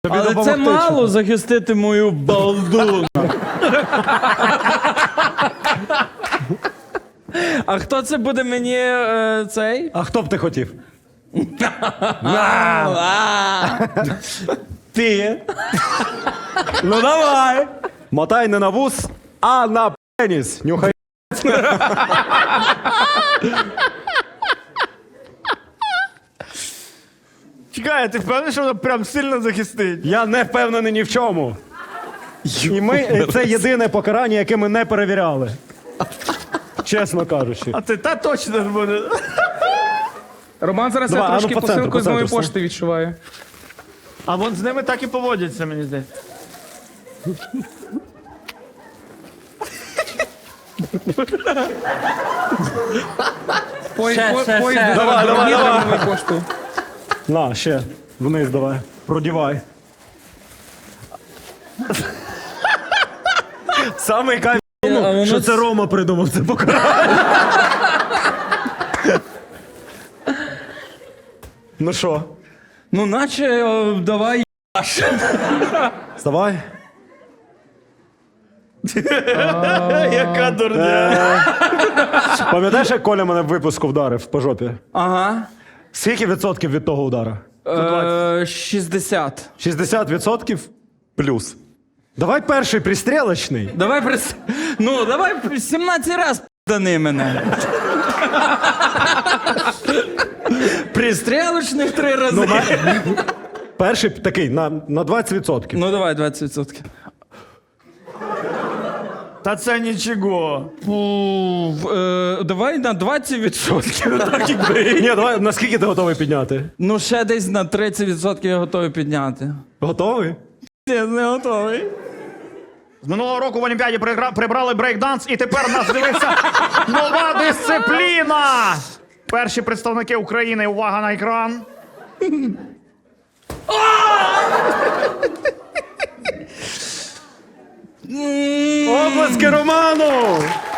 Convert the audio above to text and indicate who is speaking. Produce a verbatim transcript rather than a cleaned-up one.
Speaker 1: Тобі
Speaker 2: Але це
Speaker 1: допомогти,
Speaker 2: мало
Speaker 1: чи?
Speaker 2: захистити мою балду. А хто це буде мені е, цей?
Speaker 1: А хто б ти хотів?
Speaker 2: Ти.
Speaker 1: Ну давай! Мотай не на вус, а на пеніс. Нюхай.
Speaker 3: Чекай, ти впевнений, що воно прям сильно захистить?
Speaker 1: Я не впевнений ні в чому. І ми, це єдине покарання, яке ми не перевіряли. Чесно кажучи.
Speaker 3: А ти та точно ж буде.
Speaker 4: Роман зараз
Speaker 1: Давай,
Speaker 4: я
Speaker 1: а ну,
Speaker 4: трошки
Speaker 1: по центру,
Speaker 4: посилку
Speaker 1: по
Speaker 4: з моєї
Speaker 1: центру,
Speaker 4: пошти відчуваю.
Speaker 3: А вон з ними так і поводяться, мені здається.
Speaker 4: Пой,
Speaker 2: Ще,
Speaker 4: по,
Speaker 2: ще,
Speaker 4: поїзд
Speaker 2: ще.
Speaker 4: до-
Speaker 1: Давай,
Speaker 4: до
Speaker 1: давай,
Speaker 4: Дніпра
Speaker 1: давай.
Speaker 4: новою поштою.
Speaker 1: На, ще. Вниз давай. Продівай. Самий кайф в
Speaker 2: А
Speaker 1: тому,
Speaker 2: воно
Speaker 1: що
Speaker 2: ц-
Speaker 1: це Рома придумав це покарання. Ну що,
Speaker 2: Ну, наче о, давай.
Speaker 1: вставай.
Speaker 3: Яка дурня.
Speaker 1: Пам'ятаєш, як Коля мене в випуску вдарив по жопі?
Speaker 2: Ага.
Speaker 1: Скільки відсотків від того удара?
Speaker 2: Е, шістдесят.
Speaker 1: шістдесят відсотків плюс. Давай перший пристрілочний.
Speaker 2: Давай прис... Ну, давай сімнадцять раз п'яни мене. Пристрілочних три рази.
Speaker 1: Ну, на... Перший такий на, на двадцять відсотків.
Speaker 2: Ну, давай двадцять відсотків.
Speaker 3: Та це нічого.
Speaker 2: Фу, е, давай на двадцять відсотків. Так і бий.
Speaker 1: Ні, давай, наскільки ти готовий підняти?
Speaker 2: Ну, ще десь на тридцять відсотків я готовий підняти.
Speaker 1: Готовий?
Speaker 2: Я не готовий.
Speaker 3: З минулого року в Олімпіаді пригра- прибрали брейкданс, і тепер нас дивиться нова дисципліна. Перші представники України, увага на екран.
Speaker 1: Обласки Роману!